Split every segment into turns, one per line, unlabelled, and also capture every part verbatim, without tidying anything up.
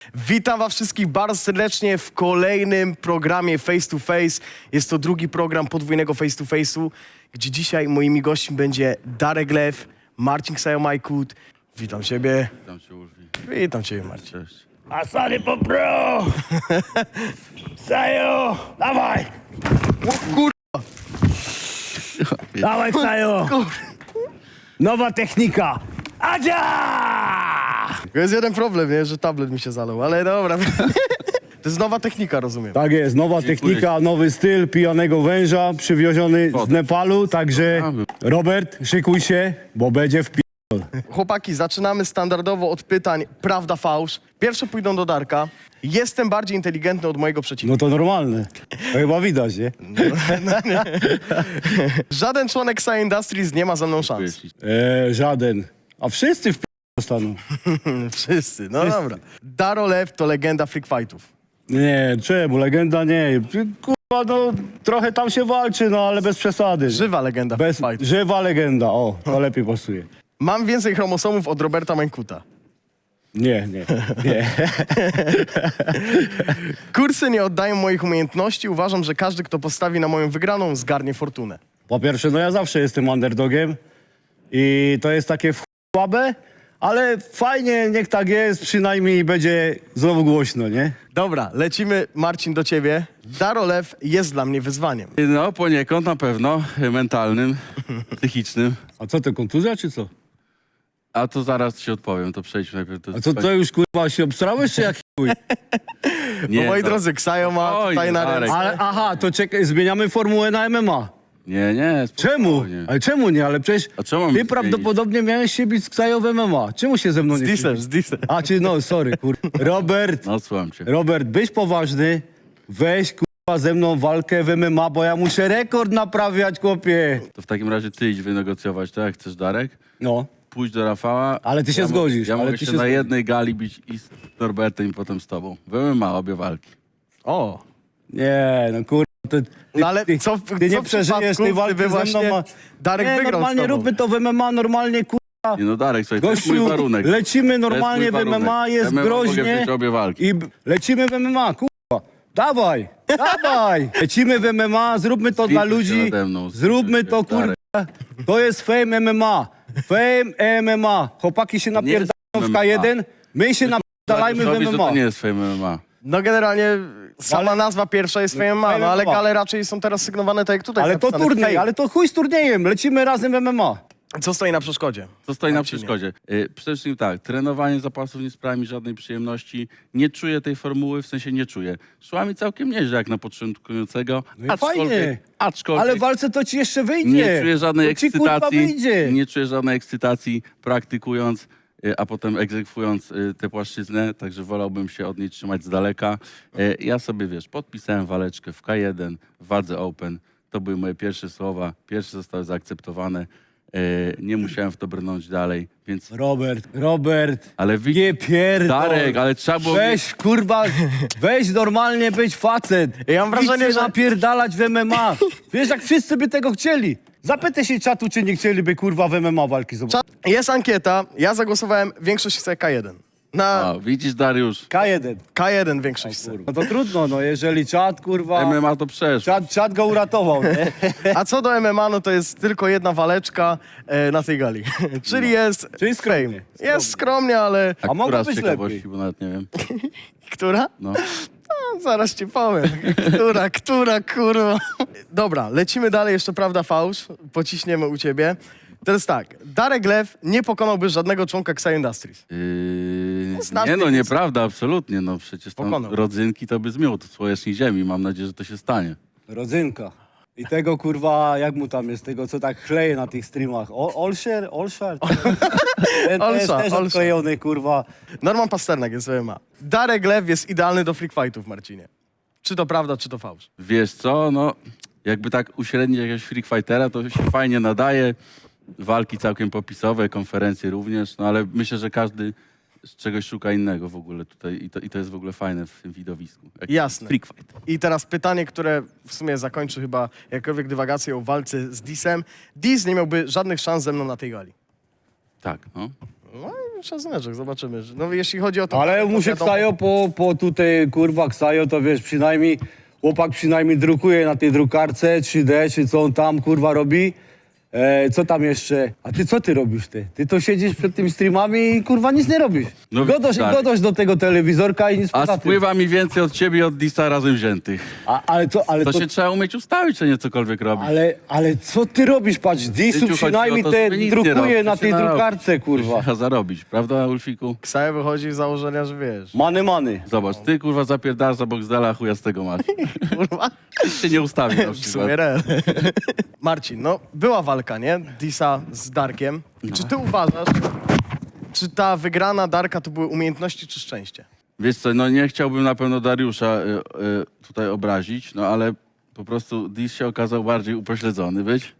Witam was wszystkich bardzo serdecznie w kolejnym programie Face to Face. Jest to drugi program podwójnego Face to Face'u, gdzie dzisiaj moimi gośćmi będzie Darek Lew, Marcin Ksajomajkut. Witam ciebie.
Witam cię, Ulfi.
Witam ciebie, Marcin.
Cześć.
Asany po pro! Sajo! Dawaj!
O kur...
Dawaj, Sajo! Nowa technika! Adzia!
Jest jeden problem, nie? Że tablet mi się zalał, ale dobra. To jest nowa technika, rozumiem.
Tak jest, nowa technika, nowy styl pijanego węża przywieziony z Nepalu, także Robert, szykuj się, bo będzie w pi...
Chłopaki, zaczynamy standardowo od pytań prawda, fałsz. Pierwsze pójdą do Darka. Jestem bardziej inteligentny od mojego przeciwnika.
No to normalne. To chyba widać, nie?
Żaden członek Ksaj Industries nie ma ze mną szans.
E, żaden. A wszyscy w pi... dostaną.
Wszyscy, no dobra. Daro Lew to legenda freak fightów.
Nie, czemu? Legenda nie. Kurwa, no trochę tam się walczy, no ale bez przesady.
Żywa legenda
Bez,
freak fightów.
żywa legenda, o, to lepiej pasuje.
Mam więcej chromosomów od Roberta Mańkuta.
Nie, nie, nie.
Kursy nie oddają moich umiejętności. Uważam, że każdy, kto postawi na moją wygraną, zgarnie fortunę.
Po pierwsze, no ja zawsze jestem underdogiem i to jest takie w słabe, ale fajnie, niech tak jest, przynajmniej będzie znowu głośno, nie?
Dobra, lecimy, Marcin, do ciebie. Daro Lew jest dla mnie wyzwaniem.
No, poniekąd na pewno, mentalnym, psychicznym.
A co, to kontuzja czy co?
A to zaraz ci odpowiem, to przejdźmy najpierw do...
A co, to już kurwa się obstrałeś czy jak chuj?
Nie,
No, moi
to-
drodzy, Ksajo ma
Oj,
tutaj na
Darek.
ręce.
Ale aha, to czekaj, zmieniamy formułę na M M A.
Nie, nie,
Czemu?
spokojnie.
Ale czemu nie? Ale przecież
A czemu mam
ty
zmienić?
prawdopodobnie miałeś się bić z Ksajo w M M A. Czemu się ze mną
Z
nie
disem,
biłeś?
z disem.
A czy no, sorry, kur... Robert,
No, słucham cię.
Robert, byś poważny, weź kurwa ze mną walkę w M M A, bo ja muszę rekord naprawiać, chłopie.
To w takim razie ty idź wynegocjować, tak jak chcesz, Darek?
No.
Pójdź do Rafała.
Ale ty się
ja mo-
zgodzisz,
Ja
ale
mogę
ty
się
się
na
zgodzisz.
jednej gali bić i z Norbertem i potem z tobą. W M M A obie walki.
O,
Nie, no kurwa, ty, ty,
no ale
ty,
co w-
ty
co
nie
w
przeżyjesz
przypadku,
tej walki
gdyby
ze mną.
właśnie
Ma...
Darek
nie,
wygrał z
normalnie
tobą?
róbmy to w M M A, normalnie kurwa.
Nie no, Darek, słuchaj, to jest mój
Gościu,
warunek.
lecimy normalnie w
To jest mój
M M A,
warunek.
jest
M M A mogę
groźnie.
wziąć obie walki.
I b- lecimy w M M A, kurwa. Dawaj, dawaj. Lecimy w M M A, zróbmy to dla
Zlituj się
ludzi.
nade mną,
Zróbmy
zlituj
to,
się, Darek.
kurwa. To jest fame M M A. Fame M M A. Chłopaki się napierdalają
jest
w
M M A.
K jeden, my się napierdalajmy w
Dariuszowi,
M
że
M A.
to nie jest Fame M M A.
no generalnie sama
Ale-
nazwa pierwsza jest Fame M M A, no ale
Fame M M A.
gale raczej są teraz sygnowane tak jak tutaj.
Ale
jest
to
napisane,
turniej,
Fame.
ale to chuj z turniejem. Lecimy razem w M M A.
Co stoi na przeszkodzie?
Co stoi na
Marcinie.
przeszkodzie? Y, Przede wszystkim tak, trenowanie zapasów nie sprawia mi żadnej przyjemności. Nie czuję tej formuły, w sensie nie czuję. Szła mi całkiem nieźle jak na początkującego.
No i fajnie.
aczkolwiek
Ale w walce to ci jeszcze wyjdzie.
nie czuję żadnej
to ci, kurwa,
ekscytacji.
wyjdzie.
Nie czuję żadnej ekscytacji praktykując, y, a potem egzekwując y, tę płaszczyznę, także wolałbym się od niej trzymać z daleka. Y, Ja sobie, wiesz, podpisałem waleczkę w K jeden, w wadze Open. To były moje pierwsze słowa, pierwsze zostały zaakceptowane. Y, Nie musiałem w to brnąć dalej, więc...
Robert, Robert.
Ale
Nie
widzisz,
pierdol.
Darek, ale trzeba było...
Weź, kurwa, weź normalnie być facet.
Ja mam wrażenie,
Idź się
że-
napierdalać w M M A. Wiesz, jak wszyscy by tego chcieli. Zapytaj się czatu, czy nie chcieliby, kurwa, w M M A walki zobaczyć.
Czat- Jest ankieta, ja zagłosowałem, większość chce K jeden. Na
A, widzisz, Dariusz,
K jeden.
K jeden większość chce.
No to trudno, no, jeżeli czat, kurwa,
M M A to przeszło.
czat, czat go uratował, nie?
A co do M M A, no to jest tylko jedna waleczka e, na tej gali. Czyli jest
Czyli skromnie.
Jest skromnie, ale...
A
A mogło
która z
być
ciekawości,
lepiej.
bo nawet nie wiem.
Która?
No.
No, zaraz ci powiem. Która, która, kurwa. Dobra, lecimy dalej, jeszcze prawda fałsz. Pociśniemy u ciebie. Teraz tak, Darek Lew nie pokonałby żadnego członka Ksaj Industries.
Yy,
Znasz
nie no,
tych-
nieprawda, absolutnie. No przecież tam
Pokonał.
rodzynki to by zmiótł z powierzchni ziemi. Mam nadzieję, że to się stanie.
Rodzynka. I tego, kurwa, jak mu tam jest, tego, co tak chleje na tych streamach. O, Olszer? Olszar? Ten to jest
Olsza,
też
Olsza.
odklejony, kurwa.
Norman Pasternak jest w M M A. Darek Lew jest idealny do freak fightów, Marcinie. Czy to prawda, czy to fałsz?
Wiesz co, no jakby tak uśrednić jakiegoś freak fightera, to się fajnie nadaje. Walki całkiem popisowe, konferencje również, no ale myślę, że każdy z czegoś szuka innego w ogóle tutaj i to, i to jest w ogóle fajne w tym widowisku. Jak
Jasne.
Freak fight.
I teraz pytanie, które w sumie zakończy chyba jakkolwiek dywagację o walce z Disem. Dis nie miałby żadnych szans ze mną na tej gali.
Tak, no.
No szacunek, zobaczymy. No jeśli chodzi o to...
Ale
to
muszę
wiadomo-
Ksajo, po, po tutaj, kurwa, Ksajo, to wiesz, przynajmniej, chłopak przynajmniej drukuje na tej drukarce trzy D, czy co on tam, kurwa, robi. E, co tam jeszcze? A ty co ty robisz, ty? Ty to siedzisz przed tymi streamami i, kurwa, nic nie robisz.
No,
godasz,
tak.
godasz do tego telewizorka i nic
A
poza tym.
spływa mi więcej od ciebie i od Disa razem wziętych.
A, ale co, ale
To
to...
się trzeba umieć ustawić, czy nie cokolwiek robić.
Ale, ale co ty robisz? Patrz, Disu
Życiu chodzi
przynajmniej
o to,
te
żeby nic nie
drukuje
robić,
na
to
tej
się narobi.
drukarce, kurwa.
Trzeba zarobić, prawda, Ulfiku?
Ksaja wychodzi z założenia, że wiesz.
Many, many.
Zobacz, ty kurwa zapierdasz za Boxdela, chuja z tego masz.
Kurwa.
Się nie ustawi na
W sumie
przykład.
real. Marcin, no była walka, nie? Disa z Darkiem. I czy ty uważasz, czy ta wygrana Darka to były umiejętności czy szczęście?
Wiesz co, no nie chciałbym na pewno Dariusza y, y, tutaj obrazić, no ale po prostu Dis się okazał bardziej upośledzony być.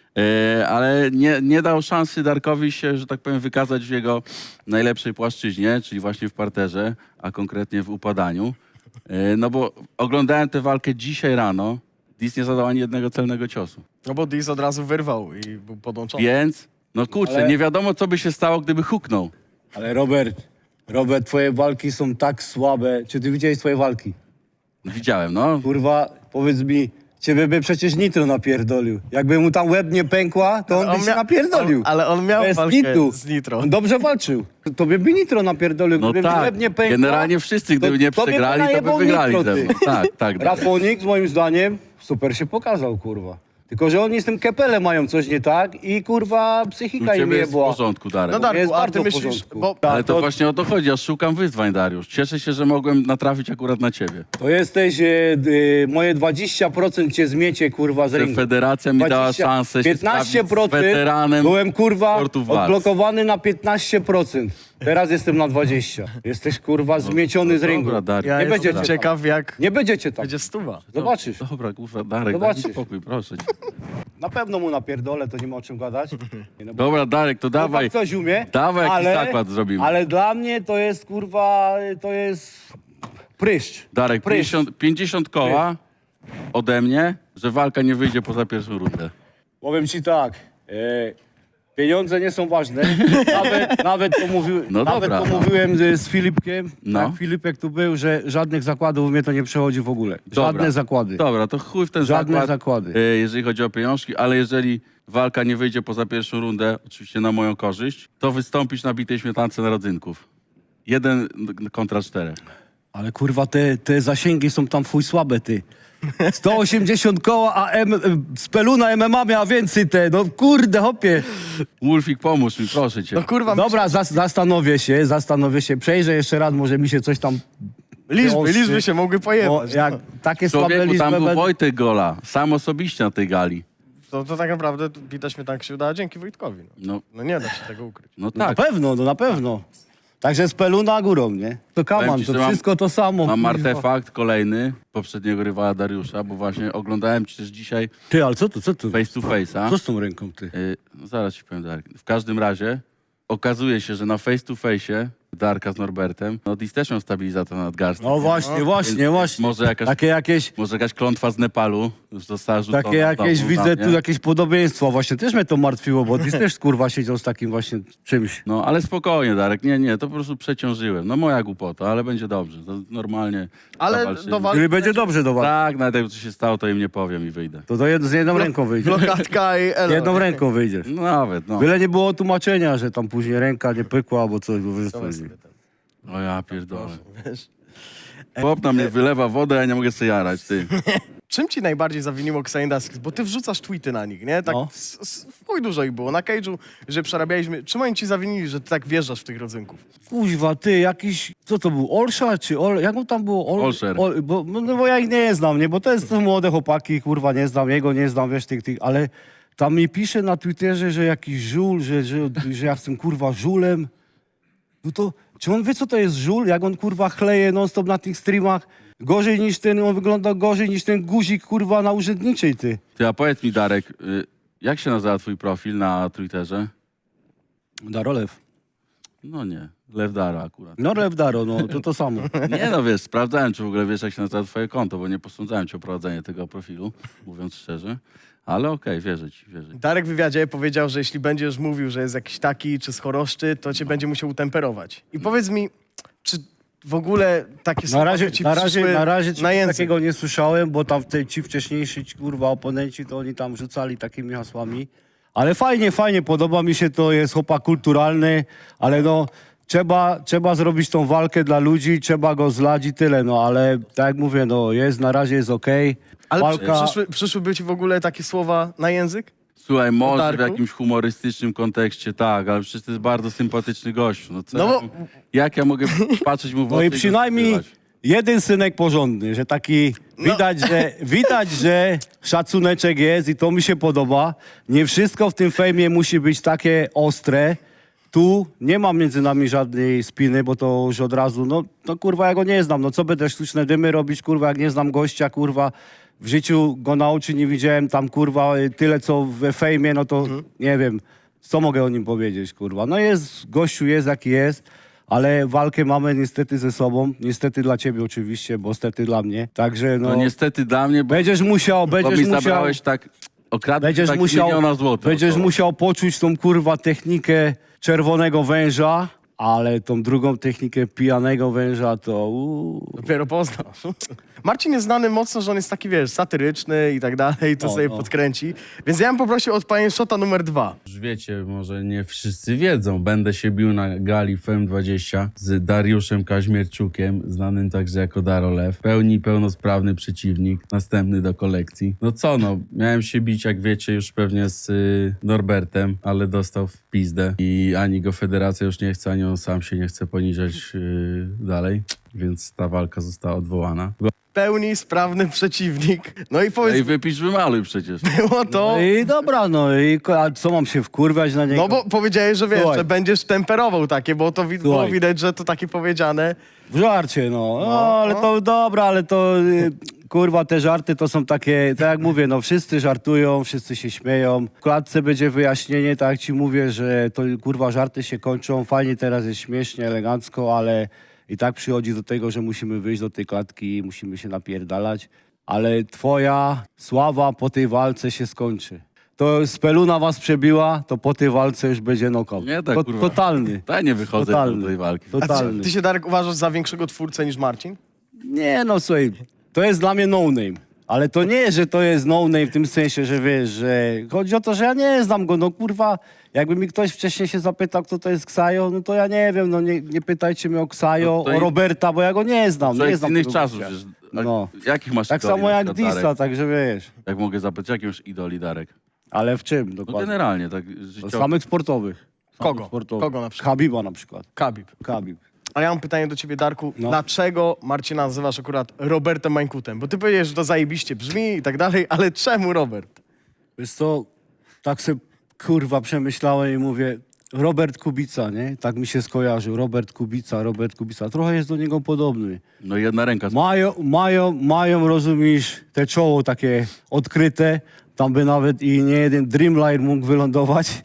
Y, ale nie, nie dał szansy Darkowi się, że tak powiem, wykazać w jego najlepszej płaszczyźnie, czyli właśnie w parterze, a konkretnie w upadaniu. Y, no bo oglądałem tę walkę dzisiaj rano, Dis nie zadał ani jednego celnego ciosu.
No bo Dis od razu wyrwał i był podłączony.
Więc, no kurczę,
Ale-
nie wiadomo co by się stało, gdyby huknął.
Ale Robert, Robert, twoje walki są tak słabe. Czy ty widziałeś twoje walki?
Widziałem, no.
Kurwa, powiedz mi, ciebie by przecież Nitro napierdolił. Jakby mu tam łeb nie pękła, to on,
On
by się
mia-
napierdolił.
on- ale on miał
Bez
walkę
kitu.
z Nitro.
On dobrze walczył. Tobie by Nitro napierdolił.
No
Gdyby
tak,
łeb nie pękła,
generalnie wszyscy, gdyby nie
tobie by
przegrali, to by
najebał
wygrali
Nitro,
ze
ty.
mną. Tak, tak.
Rafonik, moim zdaniem, super się pokazał, kurwa. Tylko, że oni z tym Kepelem mają coś nie tak i, kurwa,
U
psychika im
ciebie jest w
jebła.
porządku, Darek.
No Darku,
jest
a
bardzo
ty
w
myślisz,
porządku.
bo
Ale to
to-
właśnie o to chodzi, ja szukam wyzwań, Dariusz. Cieszę się, że mogłem natrafić akurat na ciebie.
To jesteś, e, e, moje dwadzieścia procent cię zmiecie, kurwa, z
Że
ringu.
federacja mi dała
dwadzieścia
szansę się
piętnaście
sprawdzić z
procent
weteranem
byłem, kurwa,
sportu walk.
odblokowany na piętnaście procent. Teraz jestem na dwadzieścia. Jesteś, kurwa, zmieciony z ringu.
Dobra, Darek.
ja
nie
jestem
będziecie
ciekaw jak
Nie będziecie tam.
będzie stuwa.
Zobaczysz.
Dobra, kurwa, Darek,
Zobaczysz.
daj mi spokój, proszę cię.
Na pewno mu napierdolę, to nie ma o czym gadać. Nie, no bo
Dobra, Darek, to dawaj.
chłopak coś umie.
Dawaj jakiś zakład zrobimy.
Ale dla mnie to jest, kurwa, to jest pryszcz.
Darek,
Pryszcz.
pięćdziesiąt, pięćdziesiąt koła ode mnie, że walka nie wyjdzie poza pierwszą rundę.
Powiem ci tak, e, pieniądze nie są ważne. Nawet, nawet, to, mówił,
No
nawet
dobra,
to
no.
mówiłem z, z Filipkiem,
No.
jak Filipek tu był, że żadnych zakładów mnie to nie przechodzi w ogóle.
Dobra.
Żadne zakłady.
Dobra, to chuj w ten
Żadne
zakład,
zakłady.
e, jeżeli chodzi o pieniążki, ale jeżeli walka nie wyjdzie poza pierwszą rundę, oczywiście na moją korzyść, to wystąpisz na bitej śmietance narodzynków. Jeden kontra czterech.
Ale kurwa, te, te zasięgi są tam fuj słabe, ty. sto osiemdziesiąt koła, a M, Speluna M M A miała więcej te. No kurde, hopie.
Wolfik, pomóż mi, proszę cię.
No kurwa,
Dobra, zas, zastanowię się, zastanowię się. Przejrzę jeszcze raz, może mi się coś tam...
liczby,
wyostrzy.
liczby się mogły
Bo
pojebać.
jak
no.
takie słabe
Człowieku,
liczby
tam był
będą...
Wojtek Gola, sam osobiście na tej gali.
To, to tak naprawdę widać mnie tak się udało dzięki Wojtkowi. No.
No,
no nie da się tego ukryć.
no
No
tak.
na pewno, no na pewno. Także Speluna górą, nie? To
Powiem
kaman,
ci,
to
że mam-
wszystko to samo.
Mam
kurwa.
artefakt kolejny poprzedniego rywala Dariusza, bo właśnie oglądałem ci też dzisiaj
Ty, ale co to, co to?
face to face'a.
Co z tą ręką, ty?
Y, no zaraz ci powiem, Darek. W każdym razie okazuje się, że na face to face'ie Darka z Norbertem, no Dis też miał stabilizator nadgarstek.
No właśnie, właśnie,
Więc
właśnie.
Może jakaś,
Takie jakieś,
może jakaś klątwa z Nepalu już została rzucona.
takie jakieś,
znowu
widzę
na
tu
mnie.
jakieś podobieństwo. Właśnie też mnie to martwiło, bo Dis też kurwa siedział z takim właśnie czymś.
No ale spokojnie, Darek. Nie, nie, to po prostu przeciążyłem. No moja głupota, ale będzie dobrze. To normalnie
Ale
zawalczymy.
do walki
Czyli będzie dobrze do was.
Tak, nawet jakby coś się stało, to im nie powiem i wyjdę.
To, to jed, z jedną ręką wyjdzie.
blokadka i elo.
Jedną ręką wyjdziesz.
No nawet, no.
Byle nie było tłumaczenia, że tam później ręka nie pykła albo coś, bo wiesz co
Dawaj
chodzi.
sobie ten,
O ja pierdolę.
wiesz.
Chłop na mnie wylewa wodę, a ja nie mogę sobie jarać, ty.
Czym ci najbardziej zawiniło Xaindas? Bo ty wrzucasz tweety na nich, nie? Tak
No.
s- s- w chuj dużo ich było. Na Cage'u, że przerabialiśmy. Czym oni ci zawinili, że ty tak wjeżdżasz w tych rodzynków?
Kuźwa, ty, jakiś, co to był, Olsza czy Ol, jak on tam było? Ol,
Olszer.
Ol, bo, no bo ja ich nie znam, nie, bo to jest to młode chłopaki, kurwa, nie znam, jego nie znam, wiesz, tych, tych, ale tam mi pisze na Twitterze, że jakiś żul, że, że, że ja jestem, kurwa, żulem. No to, czy on wie, co to jest żul? Jak on, kurwa, chleje non-stop na tych streamach? Gorzej niż ten, on wygląda gorzej niż ten guzik, kurwa, na urzędniczej, ty.
Ty, a powiedz mi, Darek, y, jak się nazywa twój profil na Twitterze?
Darolew.
No nie, Lewdara akurat.
No Lewdaro, no to to samo.
Nie no, wiesz, sprawdzałem, czy w ogóle wiesz, jak się nazywa twoje konto, bo nie posądzałem cię o prowadzenie tego profilu, mówiąc szczerze. Ale okej, wierzę ci, wierzę ci.
Darek w wywiadzie powiedział, że jeśli będziesz mówił, że jest jakiś taki czy z choroszczy, to cię będzie musiał utemperować. I powiedz mi, czy w ogóle takie
Na
słowa
razie,
ci
na razie,
przyszły
na razie
na
czegoś
język?
takiego nie słyszałem, bo tam te, ci wcześniejsi ci, kurwa oponenci, to oni tam rzucali takimi hasłami. Ale fajnie, fajnie, podoba mi się to, jest chłopak kulturalny, ale no trzeba, trzeba zrobić tą walkę dla ludzi, trzeba go zlać i tyle, no ale tak jak mówię, no jest, na razie jest okej.
Ale
Walka,
przyszły, przyszłyby ci w ogóle takie słowa na język?
Słuchaj, może w
Darku?
jakimś humorystycznym kontekście, tak, ale przecież to jest bardzo sympatyczny gościu. No, co
No
ja,
bo-
jak ja mogę patrzeć mu w
no
oczy
i
go
przynajmniej
skrywać?
jeden synek porządny, że taki
No.
widać, że widać, że szacuneczek jest i to mi się podoba. Nie wszystko w tym fejmie musi być takie ostre. Tu nie ma między nami żadnej spiny, bo to już od razu, no, no kurwa, ja go nie znam. No co będę sztuczne dymy robić, kurwa, jak nie znam gościa, kurwa. W życiu go na oczy nie widziałem, tam kurwa tyle co we fejmie, no to nie wiem, co mogę o nim powiedzieć, kurwa. No jest, gościu jest jaki jest, ale walkę mamy niestety ze sobą. Niestety dla ciebie oczywiście, bo stety dla mnie. Także no,
No niestety dla mnie, bo,
będziesz musiał,
bo mi
będziesz musiał,
zabrałeś tak, okradłeś
będziesz
tak
musiał,
miliona złotych.
będziesz
około.
musiał poczuć tą kurwa technikę czerwonego węża, ale tą drugą technikę pijanego węża to uuu.
Dopiero poznasz. Marcin jest znany mocno, że on jest taki, wiesz, satyryczny i tak dalej, to
No,
sobie
no.
podkręci. Więc ja bym poprosił od pani Szota numer dwa.
Już wiecie, może nie wszyscy wiedzą, będę się bił na gali F E M dwadzieścia z Dariuszem Kaźmierczukiem, znanym także jako Darolew. W pełni pełnosprawny przeciwnik, następny do kolekcji. No co no, miałem się bić, jak wiecie, już pewnie z y, Norbertem, ale dostał w pizdę i ani go federacja już nie chce, ani on sam się nie chce poniżać y, dalej, więc ta walka została odwołana.
Pełni sprawny przeciwnik. No i powiedz,
Ej, wypisz, wymaluj przecież.
było to...
No i dobra, no i ko- a co mam się wkurwiać na niego?
No bo powiedziałeś, że wiesz,
Słuchaj.
że będziesz temperował takie, bo to wi- było
Słuchaj.
widać, że to takie powiedziane.
W żarcie, no. no. ale to dobra, ale to y, kurwa, te żarty to są takie, tak jak mówię, no wszyscy żartują, wszyscy się śmieją. W klatce będzie wyjaśnienie, tak jak ci mówię, że to kurwa żarty się kończą, fajnie teraz jest śmiesznie, elegancko, ale i tak przychodzi do tego, że musimy wyjść do tej klatki i musimy się napierdalać. Ale twoja sława po tej walce się skończy. To Speluna was przebiła, to po tej walce już będzie knockout.
Nie tak,
To-
kurwa.
Totalny.
Ja nie wychodzę
Totalny.
do tej walki.
A ty,
Totalny.
ty się, Darek, uważasz za większego twórcę niż Marcin?
Nie no, słuchaj, to jest dla mnie no-name. Ale to nie, że to jest no-name w tym sensie, że wiesz, że chodzi o to, że ja nie znam go, no kurwa, jakby mi ktoś wcześniej się zapytał, kto to jest Ksajo, no to ja nie wiem, no nie, nie pytajcie mnie o Ksajo,
No to
o
i-
Roberta, bo ja go nie znam,
Człowiek
nie
z
znam
innych
tego
czasów,
gościa.
przecież.
No.
Jakich masz
Tak
idoli,
samo
na
jak
przykład,
Disa,
Darek?
także wiesz.
Jak mogę zapytać, jakie masz idoli, Darek?
Ale w czym
No
dokładnie?
generalnie, tak
No,
życiowo.
samych sportowych. Samych
Kogo?
Sportowych.
Kogo na przykład?
Habiba na przykład.
Khabib.
Habib.
A ja mam pytanie do ciebie, Darku.
No.
Dlaczego Marcina nazywasz akurat Robertem Mańkutem? Bo ty powiedziesz, że to zajebiście brzmi i tak dalej, ale czemu Robert?
Wiesz co, tak sobie kurwa przemyślałem i mówię, Robert Kubica, nie? Tak mi się skojarzył, Robert Kubica, Robert Kubica. Trochę jest do niego podobny.
No jedna ręka.
Mają, mają, mają, rozumiesz, te czoło takie odkryte. Tam by nawet i nie jeden Dreamliner mógł wylądować.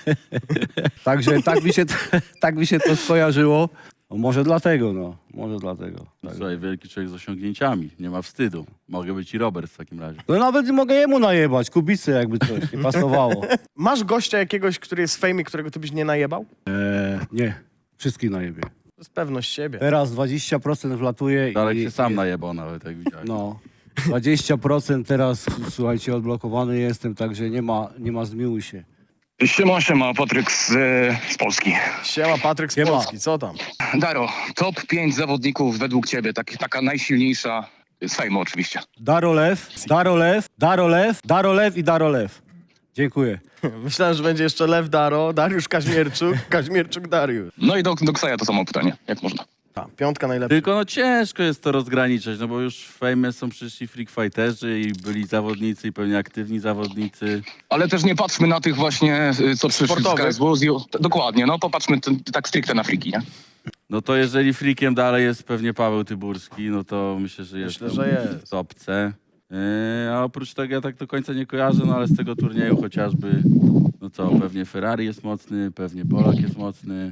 Także tak mi, się, tak mi się to skojarzyło. No może dlatego, no. Może dlatego. Tak.
Słuchaj, wielki człowiek z osiągnięciami. Nie ma wstydu. Mogę być i Robert w takim razie.
No nawet mogę jemu najebać, Kubicy jakby coś nie pasowało.
Masz gościa jakiegoś, który jest w fejmie, którego ty byś nie najebał?
Eee, nie, wszystkich najebie.
To jest pewność siebie.
Teraz dwadzieścia procent wlatuje
Darek
i...
się sam
i-
najebał nawet, jak widziałeś.
No, dwadzieścia procent teraz, słuchajcie, odblokowany jestem, także nie ma, nie ma zmiłuj się.
Siema, siema, Patryk z, e, z Polski.
Siema, Patryk z
Siema.
Polski, co tam?
Daro, top pięć zawodników według ciebie, tak, taka najsilniejsza, z fejmu oczywiście.
Darolew, Darolew, Darolew, Darolew i Darolew. Dziękuję.
Myślałem, że będzie jeszcze Lew Daro, Dariusz Kaźmierczuk, Kaźmierczuk Dariusz.
No i do, do Ksaja to samo pytanie, jak można?
A, piątka najlepsza.
Tylko no ciężko jest to rozgraniczać, no bo już w fejmie są przyszli freak fighterzy i byli zawodnicy i pewnie aktywni zawodnicy.
Ale też nie patrzmy na tych właśnie, y, co przyszli z
Sportowych.
K S W. z- Dokładnie, no popatrzmy t- tak stricte na friki, nie?
No to jeżeli freakiem dalej jest pewnie Paweł Tyburski, no to myślę, że jest
Myślę, że jest.
w topce. Yy, a oprócz tego ja tak do końca nie kojarzę, no ale z tego turnieju chociażby, no co, pewnie Ferrari jest mocny, pewnie Polak jest mocny.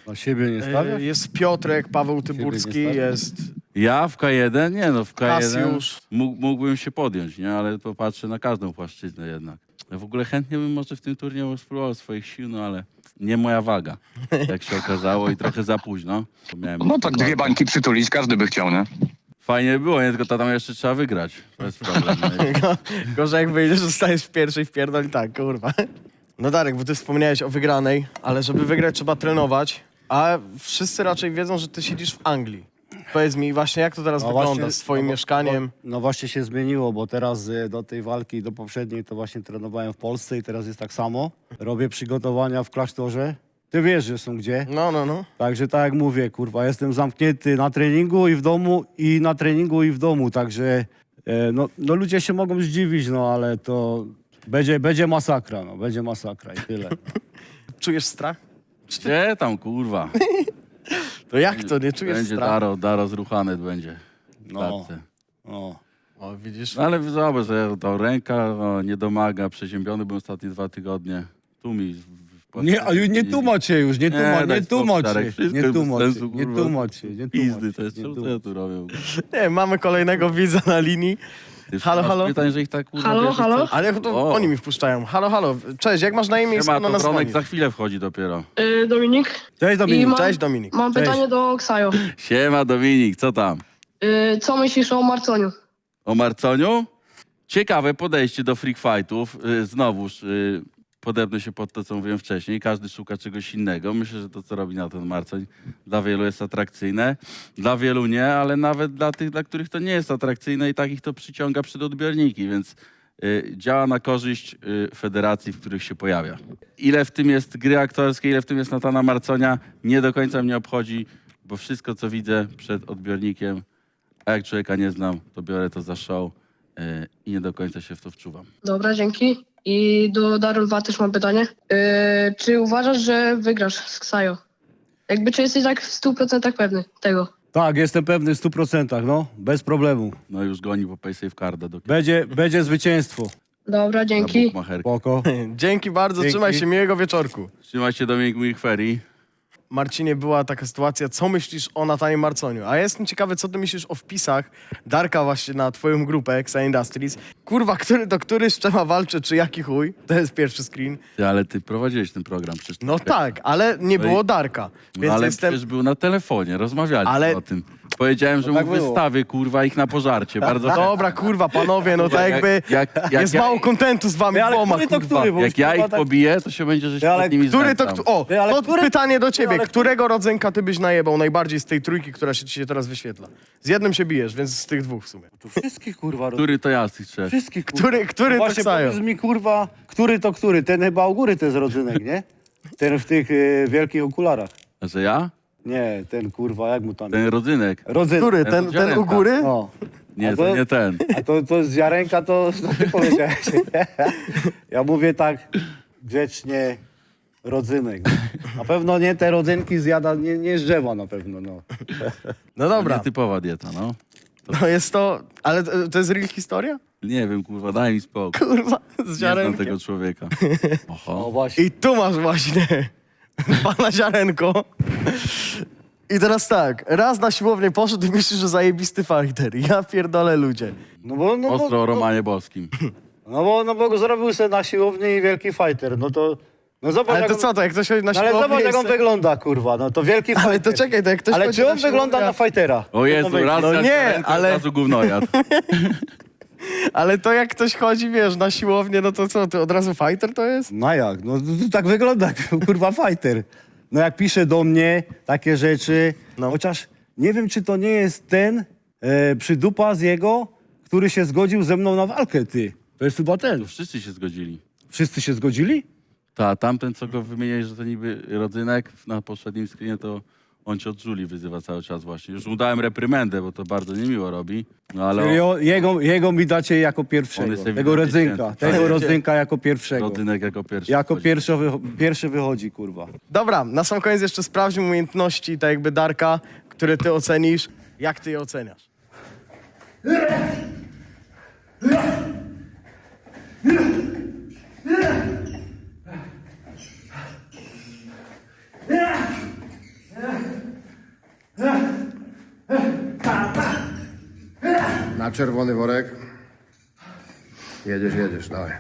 Na siebie nie
E,
stawiasz?
Jest Piotrek, Paweł Tyburski,
stawiasz?
jest
Ja w K jeden? Nie no, w K jeden
Kasiusz.
mógł, mógłbym się podjąć, nie? Ale popatrzę na każdą płaszczyznę jednak. Ja w ogóle chętnie bym może w tym turnieju spróbował swoich sił, no ale nie moja waga, jak się okazało i trochę za późno. Bo miałem
No tak dwie bańki przytulić, każdy by chciał, nie?
Fajnie by było, nie? Tylko to tam jeszcze trzeba wygrać. To jest problem. nie?
Gorzej jak wyjdziesz, zostajesz w pierwszej w pierdol i tak, kurwa. No Darek, bo ty wspomniałeś o wygranej, ale żeby wygrać trzeba trenować, a wszyscy raczej wiedzą, że ty siedzisz w Anglii. Powiedz mi właśnie, jak to teraz
No
wygląda
właśnie,
z twoim
no bo-
mieszkaniem?
bo- No właśnie się zmieniło, bo teraz y, do tej walki, do poprzedniej, to właśnie trenowałem w Polsce i teraz jest tak samo. Robię przygotowania w klasztorze. Ty wiesz, że są gdzie.
No, no, no.
Także tak jak mówię, kurwa, jestem zamknięty na treningu i w domu, i na treningu i w domu, także e, no, no ludzie się mogą zdziwić, no ale to będzie, będzie masakra, no, będzie masakra i tyle.
Czujesz strach?
Gdzie tam, kurwa?
To jak to, nie czujesz
Będzie
strachu?
Daro, Daro zruchany będzie.
No.
No.
No.
O, widzisz?
No ale zobacz, że ta ręka o, nie domaga, przeziębiony byłem ostatnie dwa tygodnie. Tu mi... w- w-
Nie, a ju- nie tłumacz się już, nie tłumacz,
daj
nie
spokój,
tłumacz
Darek,
się,
wszystko
nie
bez
tłumacz
sensu,
się, nie
kurwa.
tłumacz się, nie
Pizdy,
tłumacz
to jest
się, nie
czemu co
tłumacz.
ja tu robię?
Nie, mamy kolejnego widza na linii.
Ty
Halo,
masz
halo?
pytań, że ich tak kurwa
Halo,
bierzesz,
halo?
co-
Ale to
O.
oni mi wpuszczają. Halo, halo. Cześć, jak masz na imię i
Siema,
skąd na
to
nas
Bronek
dzwonisz?
za chwilę wchodzi dopiero.
Y, Dominik.
Cześć
I
Dominik.
mam,
Cześć, Dominik.
Mam
Cześć.
pytanie do Ksajo.
Siema Dominik, co tam?
Y, co myślisz o Marconiu?
O Marconiu? Ciekawe podejście do freak fightów. Y, Znowuż y, podepnę się pod to, co mówiłem wcześniej. Każdy szuka czegoś innego. Myślę, że to, co robi na ten Marcoń, dla wielu jest atrakcyjne. Dla wielu nie, ale nawet dla tych, dla których to nie jest atrakcyjne i takich to przyciąga przed odbiorniki, więc y, działa na korzyść y, federacji, w których się pojawia. Ile w tym jest gry aktorskiej, ile w tym jest Natana Marconia, nie do końca mnie obchodzi, bo wszystko, co widzę przed odbiornikiem, a jak człowieka nie znam, to biorę to za show yy, i nie do końca się w to wczuwam.
Dobra, dzięki. I do Darul dwa też mam pytanie. Y, czy uważasz, że wygrasz z Ksajo? Jakby czy jesteś tak w stu procentach pewny tego?
Tak, jestem pewny w stu procentach, no, bez problemu.
No już goni po paysafe carda do
Będzie, będzie zwycięstwo.
Dobra, dzięki.
bukmacherki.
Spoko.
Dzięki bardzo,
Dzięki.
trzymaj się, miłego wieczorku.
Trzymaj się Dominik moich ferii.
Marcinie, była taka sytuacja, co myślisz o Natanie Marconiu? A ja jestem ciekawy, co ty myślisz o wpisach Darka właśnie na twoją grupę Exa Industries. Kurwa, który to który z czema walczy, czy jaki chuj? To jest pierwszy screen.
Ty, ale ty prowadziłeś ten program przecież.
No tak, ale nie
No i-
było Darka.
No,
Więc
ale
jestem...
przecież był na telefonie, rozmawialiśmy
Ale-
o tym. Powiedziałem, że
tak
mu
było.
wystawy, kurwa, ich na pożarcie. Bardzo
Dobra, kurwa, panowie, no tak jakby
jak, jak, jak,
jest
ja,
mało kontentu z wami
Ty, ale
dwoma,
który to
kurwa.
który? Bo
jak
już,
ja
kurwa,
ich
tak-
pobiję, to się będzie, że się
Ty, ale
nad nimi
Który to,
znęcam.
o,
Ty, ale
to
który-
pytanie do ciebie.
ale który-
Którego rodzynka ty byś najebał najbardziej z tej trójki, która się ci się teraz wyświetla? Z jednym się bijesz, więc z tych dwóch w sumie.
To wszystkich, kurwa, roz...
Który to ja z tych trzech?
wszystkich, kurwa.
Który, który to
Właśnie
Ksajo?
powiedz mi, kurwa, który to który? Ten chyba u góry to jest rodzynek, nie? Ten w tych y, wielkich okularach.
Że ja?
Nie, ten kurwa, jak mu tam...
Ten rodzynek.
Rodzynek.
Który?
Ten
Ten,
od
ten u
ziarenka.
góry?
No.
Nie,
A
to
to-
nie ten.
A to, to z ziarenka to, to ty powiedziałeś. Ja mówię tak grzecznie rodzynek. Na pewno nie te rodzynki zjada, nie, nie z drzewa na pewno, no.
No
To
dobra,
nietypowa dieta, no.
no jest to... Ale to, to jest real historia?
Nie wiem, kurwa, daj mi spokój.
Kurwa, z
Nie znam
ziarenkiem.
tego człowieka.
O
Oho.
właśnie.
I tu masz właśnie pana ziarenko. I teraz tak, raz na siłownię poszedł i myślisz, że zajebisty fighter. Ja pierdolę ludzie.
No bo, no,
Ostro o
bo,
Romanie Boskim.
no, bo, no bo zrobił sobie na siłowni i wielki fighter, no to... No zobacz,
Ale
jak
to
on,
co, to jak ktoś chodzi na
no ale
siłownię...
zobacz jak on
jest-
wygląda, kurwa, no to wielki fighter.
Ale to czekaj, to jak ktoś
Ale
chodzi
czy on
na siłownię-
wygląda na fightera?
O Jezu, raz
No
jak
nie,
ziarenko,
ale-
Od razu gównojad.
Ale to jak ktoś chodzi, wiesz, na siłownię, no to co, to od razu fighter to jest?
No jak? No to, to tak wygląda, kurwa, fighter. No jak pisze do mnie takie rzeczy,
No.
chociaż nie wiem, czy to nie jest ten e, przydupa z jego, który się zgodził ze mną na walkę, ty. To jest chyba ten.
Wszyscy się zgodzili.
Wszyscy się zgodzili?
Ta, tamten, co go wymieniłeś, że to niby rodzynek, na poprzednim screenie to on cię od Julii wyzywa cały czas właśnie. Już mu dałem reprymendę, bo to bardzo niemiło robi. No ale
Czyli
o,
o, jego, jego mi dacie jako
On
pierwszego.
jest
Tego
ewidentnie
rodzynka.
święty.
Tego
Tak.
rodzynka jako pierwszego.
rodzynek jako pierwszy.
Jako
wchodzi.
pierwszy, wycho- pierwszy wychodzi, kurwa.
Dobra, na sam koniec jeszcze sprawdźmy umiejętności, tak jakby Darka, które ty ocenisz. Jak ty je oceniasz?
Na czerwony worek. Jedziesz, jedziesz, dawaj.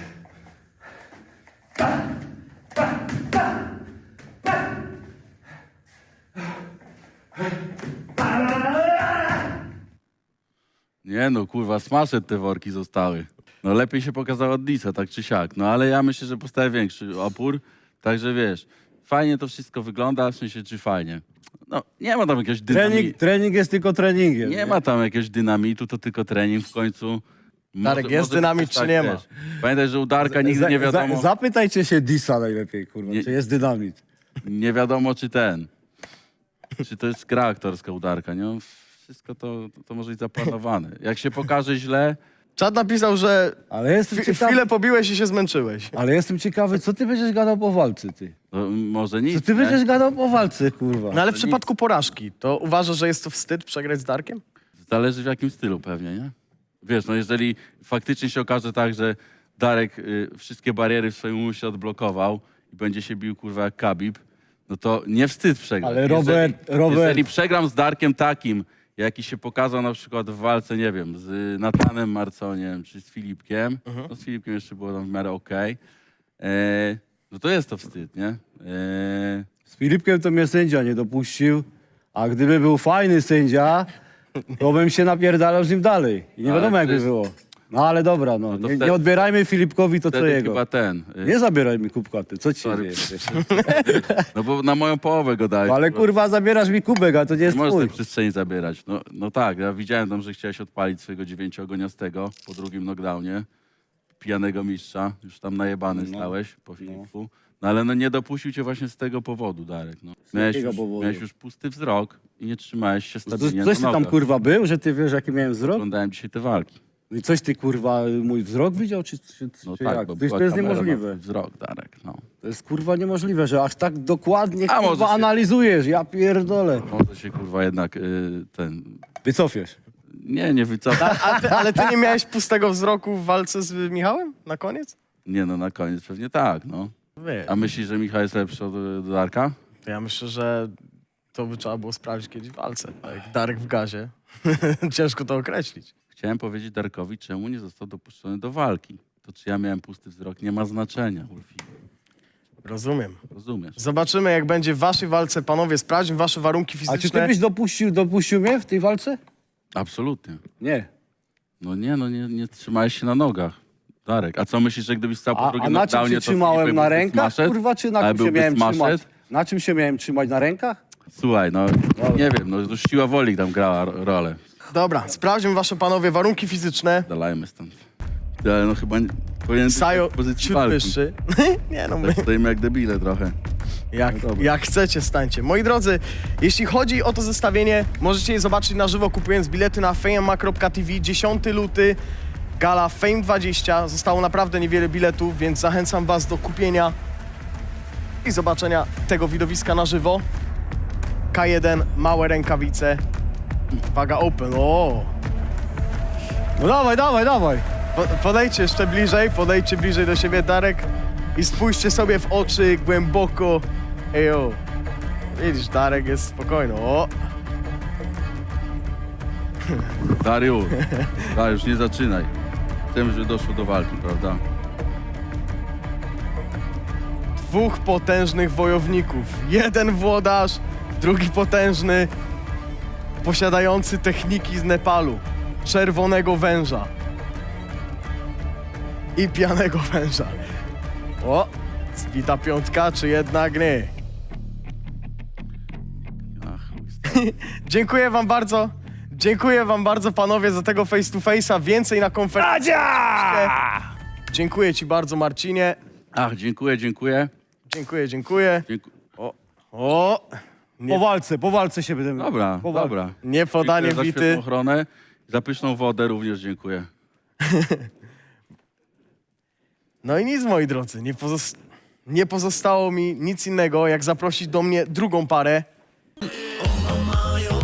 Nie no, kurwa, smasze te worki zostały. No lepiej się pokazało od Disa, tak czy siak. No ale ja myślę, że postawię większy opór. Także wiesz, fajnie to wszystko wygląda, w sensie czy fajnie. No nie ma tam jakiegoś dynamitu.
Trening, trening jest tylko treningiem.
Nie ma tam jakiegoś dynamitu, to tylko trening w końcu.
Darek,
Może-
jest
może
dynamit,
być
czy nie ma?
wiesz. Pamiętaj, że u Darka nigdy
Za-
nie wiadomo,
Za, zapytajcie się Disa najlepiej, kurwa,
Nie-
czy jest dynamit.
nie wiadomo czy ten, czy to jest gra aktorska u Darka, nie? On Wszystko to, to, to może być zaplanowane. Jak się pokaże źle,
Czad napisał, że
Ale jestem,
chwi-
ciekawy,
chwilę pobiłeś i się zmęczyłeś.
ale jestem ciekawy, co ty będziesz gadał po walce, ty?
to może nic,
Co ty
nie?
będziesz gadał po walce, kurwa?
No ale w przypadku porażki, to uważasz, że jest to wstyd przegrać z Darkiem?
Zależy w jakim stylu pewnie, nie? Wiesz, no jeżeli faktycznie się okaże tak, że Darek y, wszystkie bariery w swoim umyśle odblokował i będzie się bił, kurwa, jak Khabib, no to nie wstyd przegrać.
Ale Robert-
jeżeli,
Robert-
Jeżeli przegram z Darkiem takim, jaki się pokazał na przykład w walce, nie wiem, z Natanem Marconiem czy z Filipkiem, no z Filipkiem jeszcze było tam w miarę okej, e, no to jest to wstyd, nie? E,
Z Filipkiem to mnie sędzia nie dopuścił, a gdyby był fajny sędzia, to bym się napierdalał z nim dalej. I nie
Ale
wiadomo, jakby
to jest-
było. No ale dobra, no.
No to
nie,
wtedy-
nie odbierajmy Filipkowi to, co
wtedy
jego.
chyba ten. y,
Nie zabieraj mi kubka, ty. Co ci się
Sorry.
dzieje?
No bo na moją połowę go dałeś.
No, ale kurwa, zabierasz mi kubek, a to nie
Nie
jest
możesz
twój.
tej przestrzeni zabierać. No, no tak, ja widziałem tam, że chciałeś odpalić swojego dziewięciogoniastego po drugim knockdownie. Pijanego mistrza. Już tam najebany
No.
stałeś po Filipu. No ale no nie dopuścił cię właśnie z tego powodu, Darek. No. Miałeś,
jakiego
już,
powodu?
miałeś już pusty wzrok i nie trzymałeś się
To,
stabilnie
coś ty
na
tam
nogach.
kurwa był, że ty wiesz, jaki miałem wzrok?
Oglądałem dzisiaj te walki.
I coś ty kurwa mój wzrok widział, czy, czy,
No
czy
tak,
jak?
bo
Wiesz,
była
to jest
kamera na
niemożliwe.
twój wzrok, Darek. No.
To jest kurwa niemożliwe, że aż tak dokładnie
A może
kurwa
się-
analizujesz. Ja pierdolę.
Może się kurwa jednak y, ten...
Wycofiesz.
Nie, nie wycofam.
A ty, ale ty nie miałeś pustego wzroku w walce z Michałem na koniec?
Nie no, na koniec pewnie tak, no.
Wie.
A myślisz, że Michał jest lepszy od od Darka?
Ja myślę, że to by trzeba było sprawdzić kiedyś w walce. Tak jak Darek w gazie. Ciężko to określić.
Chciałem powiedzieć Darkowi, czemu nie został dopuszczony do walki. To czy ja miałem pusty wzrok, nie ma znaczenia, Ulfi.
Rozumiem.
Rozumiesz?
Zobaczymy, jak będzie w waszej walce. Panowie, sprawdźmy wasze warunki
A
fizyczne.
czy ty byś dopuścił, dopuścił mnie w tej walce?
Absolutnie.
Nie.
No nie, no nie, nie trzymałeś się na nogach. Darek, a co myślisz, że gdybyś stał po
A,
drugim
a na czym
knockdownie,
się
to
trzymałem?
Filip
Na
byłby
rękach?
smashed?
Kurwa, czy na
Ale
czym się
byłby
miałem
smashed?
trzymać? Na czym się miałem trzymać? Na rękach?
Słuchaj, no nie wiem, no już siła woli tam grała ro- rolę.
Dobra, sprawdźmy wasze, panowie, warunki fizyczne.
Dalajmy stąd. Ale no chyba nie, powinien być
Sajo,
w pozycji
ciut
walki.
wyższy. Nie no, my,
Tak stoimy jak debile trochę.
jak,
dobra.
jak chcecie, stańcie. Moi drodzy, jeśli chodzi o to zestawienie, możecie je zobaczyć na żywo, kupując bilety na fame kropka t v. dziesiątego lutego, gala Fame dwadzieścia. Zostało naprawdę niewiele biletów, więc zachęcam was do kupienia i zobaczenia tego widowiska na żywo. K jeden, małe rękawice. Waga open, o!
No dawaj, dawaj, dawaj.
Po, podejdźcie jeszcze bliżej, podejdźcie bliżej do siebie, Darek, i spójrzcie sobie w oczy głęboko. Ejo. Widzisz, Darek jest spokojny. O!
Dariusz, Dariusz, nie zaczynaj. Chcemy, żeby doszło do walki, prawda?
Dwóch potężnych wojowników. Jeden włodarz, drugi potężny, posiadający techniki z Nepalu. Czerwonego węża. I pijanego węża. O! Zbita piątka, czy jednak nie?
Ach, chuj stary.
Dziękuję wam bardzo. Dziękuję wam bardzo, panowie, za tego face to face'a. Więcej na konferencji. Dziękuję ci bardzo, Marcinie.
Ach, dziękuję, dziękuję.
Dziękuję, dziękuję.
Dzięku...
O, o. Nie,
Po walce, po walce się będę...
Dobra,
po walce.
dobra.
nie podanie
Dziękuję za
bity.
świetną ochronę. Za pyszną wodę również dziękuję.
No i nic, moi drodzy. Nie, pozos- nie pozostało mi nic innego, jak zaprosić do mnie drugą parę.
Ona mają